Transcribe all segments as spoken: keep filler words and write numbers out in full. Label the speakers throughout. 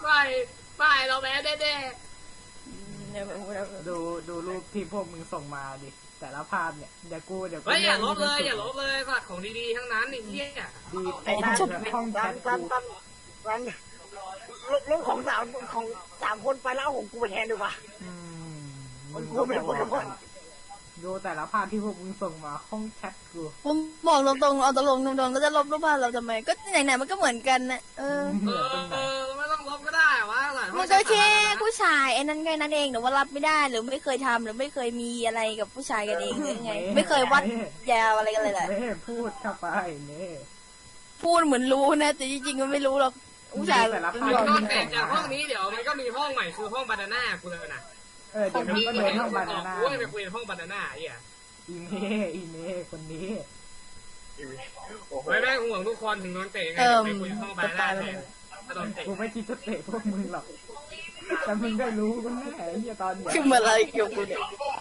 Speaker 1: ไม่ไม่เราแพ้แน่
Speaker 2: ดูดูรูปที่พวกมึงส่งมาดิแต่ละภาพเนี่ยเดี๋ยวกูเดี๋ยว
Speaker 1: ๆเฮ้ยอย่าลบเลยอย่าลบเลยสัตว์ของดีๆทั้งนั้นไอ้เหี้ย
Speaker 2: ดีไอ้ห้องแชทกู
Speaker 3: ลบลบของสามของสามคนไปแล้วของกูไปแทนดีกว่ามันกูไม่พูดกัน
Speaker 2: ดูแต่ละภาพที่พวกมึงส่งมาห้องแชทกู
Speaker 4: ผมบอกตรงๆเอาตรงๆตรงๆก็จะลบรูปภาพเราทำไมก็ไหนๆมันก็เหมือนกันนะเออ
Speaker 1: เออไม่ต้องลบก็ได้วะ
Speaker 4: มันก็แค่ผู้ชายไอ้นั่นแค่นั้นเองหรือว่ารับไม่ได้หรือไม่เคยทำหรือไม่เคยมีอะไรกับผู้ชายกันเองหรือไงไม่เคยวัดยาวอะไรกันเลยแหละ
Speaker 2: ไม่พูดเข้าไปเนี่ย
Speaker 4: พูดเหมือนรู้นะแต่จริงๆก็ไม่รู้หรอกผู้ชาย
Speaker 2: แต่ละภาพ
Speaker 1: ก็เสร็จจากห้องนี้เดี๋ยวมันก็มีห้องใหม่คือห้องบานาน่ากูเลยนะ
Speaker 2: เออเดี๋ยวมันก็เดินห้องบานาน่า
Speaker 1: กูไปคุยในห้องบานาน่าไอ้เหี้ย
Speaker 2: อีเม่อีเม่คนนี้
Speaker 1: ไม่แม่งห่วงทุกคนถึงโดนเตะไงไปคุยห้องบานาน่าแทน
Speaker 2: กูไม่คิดจะเตะพวกมึงหรอกแต่มึงได้รู้กันแน่ไอ้เหี้ยตอนนี้
Speaker 4: คืออะไรเกี่ยวกับเนี่ย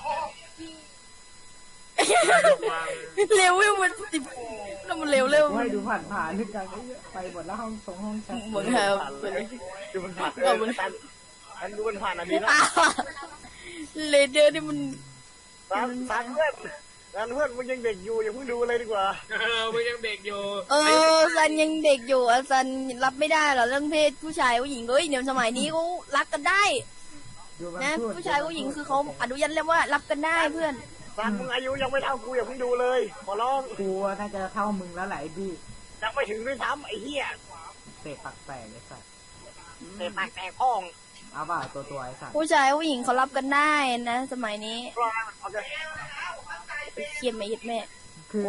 Speaker 4: เร็วมันติดแล้วมันเร็วเร็ว
Speaker 2: ให้ดูผ่านผ่านนึกกันไปหมดแล้วห้องสองห้องแชท
Speaker 4: เหมือนแฮม
Speaker 3: ดูมันผ่านเออมันผ่านมันดูมันผ่านอันนี้นะ
Speaker 4: เลเดอร์นี่มัน
Speaker 3: ซันซันเพื่อนซันเพื่อนมึงยังเด็กอยู่อย่าเพิ่งดูเลยดีกว่า
Speaker 1: เออมึงยังเด็กอยู่
Speaker 4: เออซันยังเด็กอยู่อ่ะซันรับไม่ได้หรอเรื่องเพศผู้ชายผู้หญิงเฮ้ยเดี๋ยวสมัยนี้เขารักกันได้นะผู้ชายผู้หญิงคือเขาอนุญาตเรียกว่ารับกันได้เพื่อน
Speaker 3: ซันมึงอายุยังไม่เท่ากูอย่าเพิ่งดูเลยขอร้อง
Speaker 2: กูน่าจะเท่ามึงแล้วไหลบี้
Speaker 3: ยังไม่ถึงด้วยซ้ำไอ้เหี้ย
Speaker 2: เตะปักแตกไอ้สัส
Speaker 3: เตะปักแตกห้อง
Speaker 2: เอาบ่าตัวตัวไอ้สัส
Speaker 4: ผู้ชายผู้หญิงเขารับกันได้นะสมัยนี้เขียนไม่ยึดแม่
Speaker 2: คือ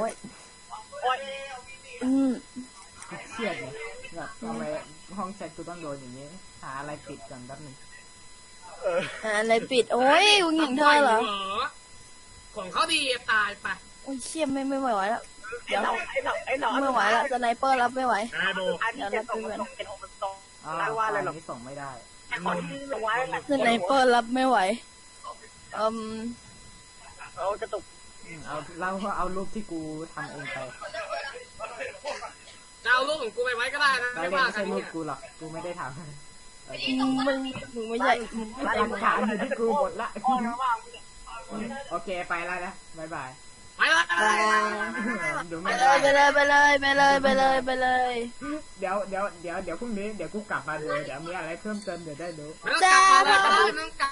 Speaker 4: อืม
Speaker 2: เครียดไงแบบทำไมห้องแชทกูต้องโดนอย่างนี้หาอะไรปิดก่อนแป๊บนึง
Speaker 4: หาอะไรปิดโอ้ยผู้หญิงเธอเหรอ
Speaker 1: ของเขาดีตายไป
Speaker 4: โอ้ยเชี่ยไม่ไม่ไหวแล้ว
Speaker 3: เดี๋ยวไอ้หนอไอ้หนอ
Speaker 4: ไม่ไหวแล้วสไนเปอร์รับไม่ไหว
Speaker 1: เ
Speaker 4: ดี๋ยวรับไม่ไหว
Speaker 2: ไม่ว่าอะไรหรอกส่งไม่ได้
Speaker 4: สไนเปอร์รับไม่ไหวอืม
Speaker 3: เอากระตุก
Speaker 2: เอาเราเอารูปที่กูทำเองไป
Speaker 1: เอารูปของกูไปไว้ก็ได้นะ
Speaker 2: ไม่ว่าใช่รูปกูหรอกกูไม่ได้ทำ
Speaker 4: มึงมึงไม่ใช่
Speaker 2: หลักฐานอยู่ที่กูหมดละโอเคไปแล้วนะบายบาย
Speaker 1: ไปเลย
Speaker 4: ไปเลยไปเลยไปเลยไปเลยไปเลย
Speaker 2: เดี๋ยวเดี๋ยวเดี๋ยวเดี๋ยวพรุ่งนี้เดี๋ยวกูกลับมาเลยเดี๋ยวมีอะไรเพิ่มเติมเดี๋ยวได้รู้
Speaker 1: จ้า